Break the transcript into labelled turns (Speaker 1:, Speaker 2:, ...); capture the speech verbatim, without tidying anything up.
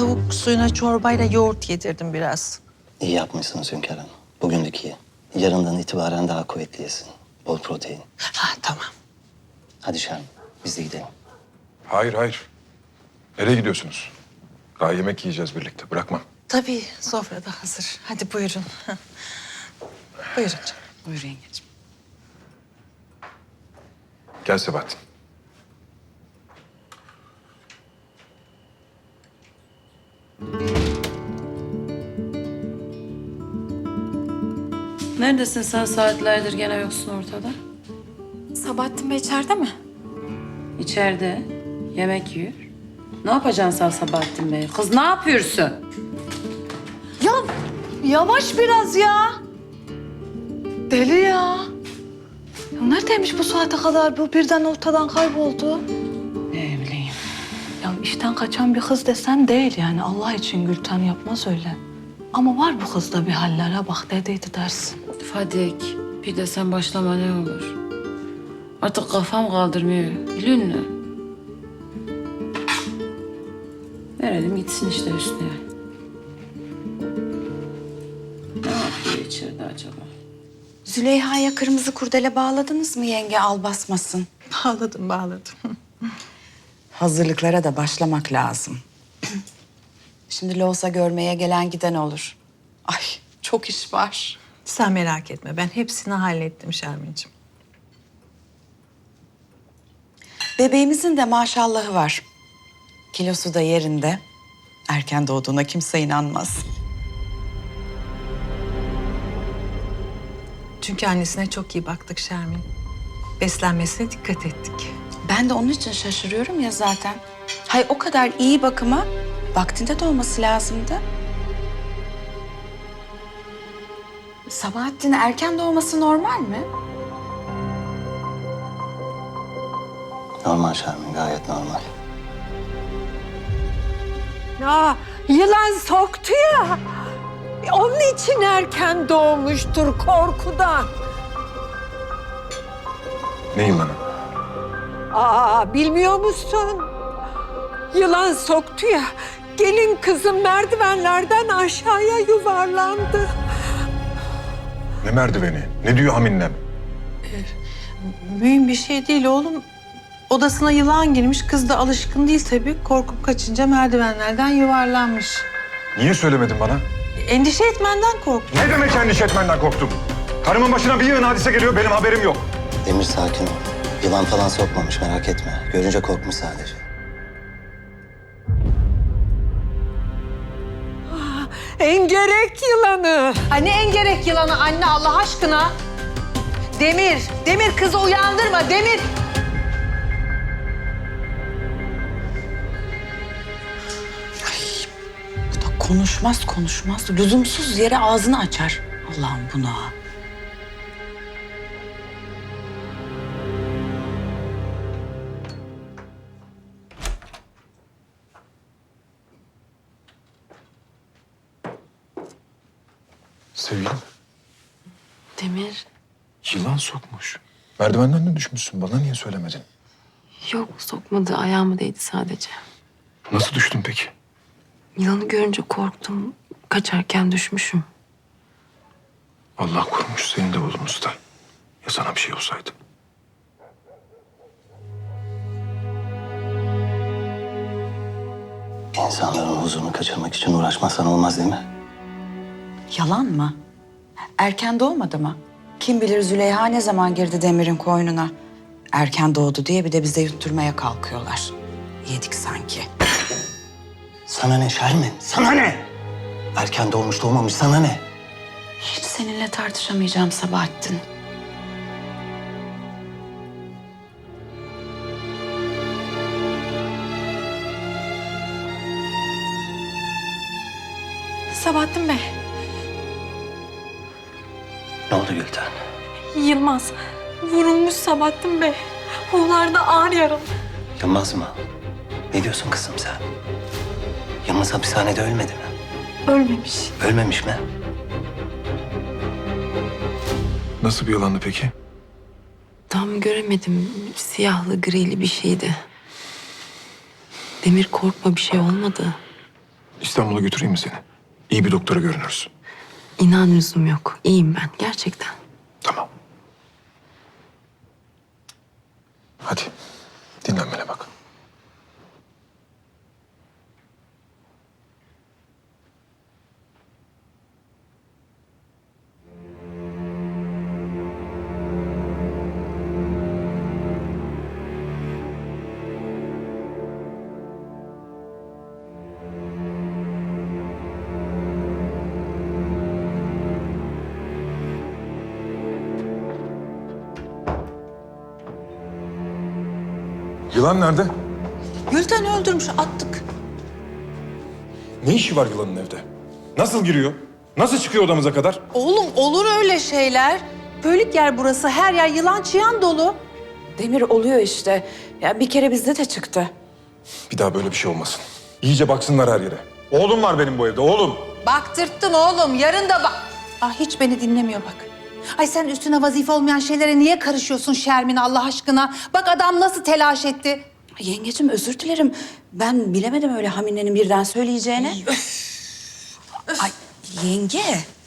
Speaker 1: tavuk suyuna çorbayla yoğurt yedirdim biraz.
Speaker 2: İyi yapmışsınız Hünkar Hanım. Bugünlük iyi. Yarından itibaren daha kuvvetli yesin. Bol protein.
Speaker 1: Ha tamam.
Speaker 2: Hadi Şermin, biz de gidelim.
Speaker 3: Hayır, hayır. Nereye gidiyorsunuz? Daha yemek yiyeceğiz birlikte. Bırakmam.
Speaker 1: Tabii sofrada hazır. Hadi buyurun. Buyurun canım.
Speaker 4: Buyur yengeciğim.
Speaker 3: Gel Sebahattin.
Speaker 4: Neredesin sen, saatlerdir gene yoksun ortada?
Speaker 5: Sabahattin Bey içeride mi?
Speaker 4: İçeride. Yemek yiyor. Ne yapacaksın sen Sabahattin Bey? Kız ne yapıyorsun?
Speaker 1: Ya yavaş biraz ya. Deli ya. Ya neredeymiş bu saate kadar? Bu birden ortadan kayboldu.
Speaker 4: Ne bileyim.
Speaker 6: Ya işten kaçan bir kız desen değil yani. Allah için Gülten yapmaz öyle. Ama var bu kızda bir hallere bak dediydi dersin.
Speaker 4: Fadik, bir de sen başlama ne olur. Artık kafam kaldırmıyor. Biliyor musun? Verelim gitsin işte üstüne. Ne yapıyor içeride acaba?
Speaker 5: Züleyha'ya kırmızı kurdele bağladınız mı yenge, al basmasın?
Speaker 1: Bağladım bağladım.
Speaker 5: Hazırlıklara da başlamak lazım. Şimdi loğusa görmeye gelen giden olur. Ay çok iş var.
Speaker 1: Sen merak etme. Ben hepsini hallettim Şermin'ciğim.
Speaker 5: Bebeğimizin de maşallahı var. Kilosu da yerinde. Erken doğduğuna kimse inanmaz.
Speaker 1: Çünkü annesine çok iyi baktık Şermin. Beslenmesine dikkat ettik.
Speaker 5: Ben de onun için şaşırıyorum ya zaten. Hay o kadar iyi bakıma vaktinde doğması lazımdı. Sabahattin erken doğması normal mi?
Speaker 2: Normal Şermin, gayet normal.
Speaker 7: Ya yılan soktu ya. Onun için erken doğmuştur korkudan.
Speaker 3: Ne yılanı?
Speaker 7: Aa bilmiyor musun? Yılan soktu ya. Gelin kızım merdivenlerden aşağıya yuvarlandı.
Speaker 3: Ne merdiveni? Ne diyor Haminem?
Speaker 1: Mühim bir şey değil oğlum. Odasına yılan girmiş. Kız da alışkın değil tabii. Korkup kaçınca merdivenlerden yuvarlanmış.
Speaker 3: Niye söylemedin bana?
Speaker 1: Endişe etmenden korktum.
Speaker 3: Ne demek endişe etmenden korktum? Karımın başına bir yığın hadise geliyor, benim haberim yok.
Speaker 2: Demir sakin ol. Yılan falan sokmamış, merak etme. Görünce korkmuş sadece.
Speaker 7: Engerek yılanı.
Speaker 1: Ay ne engerek yılanı anne Allah aşkına. Demir, Demir kızı uyandırma Demir.
Speaker 5: Bu da konuşmaz konuşmaz. Lüzumsuz yere ağzını açar. Allah'ım buna.
Speaker 3: Sevgilim,
Speaker 6: Demir,
Speaker 3: yılan sokmuş. Merdivenden de düşmüşsün, bana niye söylemedin?
Speaker 6: yok sokmadı. Ayağıma değdi sadece.
Speaker 3: Nasıl düştün peki?
Speaker 6: Yılanı görünce korktum. Kaçarken düşmüşüm.
Speaker 3: Allah korumuş seni de bulunuzda. Ya sana bir şey olsaydı?
Speaker 2: İnsanların huzurunu kaçırmak için uğraşmazsan olmaz değil mi?
Speaker 5: Yalan mı? Erken doğmadı mı? Kim bilir Züleyha ne zaman girdi Demir'in koynuna. Erken doğdu diye bir de bize yutturmaya kalkıyorlar. Yedik sanki.
Speaker 2: Sana ne Şermin? Sana ne? Erken doğmuş doğmamış sana ne?
Speaker 5: Hiç seninle tartışamayacağım Sabahattin. Sabahattin Bey.
Speaker 2: Ne oldu Gülten?
Speaker 7: Yılmaz vurulmuş Sabahattin Bey. Onlar da ağır yaralı.
Speaker 2: Yılmaz mı? Ne diyorsun kızım sen? Yılmaz hapishanede ölmedi mi?
Speaker 7: Ölmemiş.
Speaker 2: Ölmemiş mi?
Speaker 3: Nasıl bir yılandı peki?
Speaker 6: Tam göremedim. Siyahlı, grili bir şeydi. Demir korkma, bir şey olmadı.
Speaker 3: İstanbul'a götüreyim mi seni? İyi bir doktora görünürüz.
Speaker 8: İnan lüzum yok. İyiyim ben gerçekten.
Speaker 3: Tamam. Hadi dinlenmene bak. Yılan nerede?
Speaker 5: Gülten öldürmüş, attık.
Speaker 3: Ne işi var yılanın evde? Nasıl giriyor? Nasıl çıkıyor odamıza kadar?
Speaker 9: Oğlum olur öyle şeyler. Bölük yer burası. Her yer yılan çıyan dolu.
Speaker 5: Demir oluyor işte. Ya bir kere bizde de çıktı.
Speaker 3: Bir daha böyle bir şey olmasın. İyice baksınlar her yere. Oğlum var benim bu evde, oğlum.
Speaker 9: Baktırttın oğlum. Yarın da bak. Ah hiç beni dinlemiyor bak. Ay sen üstüne vazife olmayan şeylere niye karışıyorsun Şermin Allah aşkına? Bak adam nasıl telaş etti.
Speaker 5: Yengecim özür dilerim. Ben bilemedim öyle Hamine'nin birden söyleyeceğini. Ay yenge.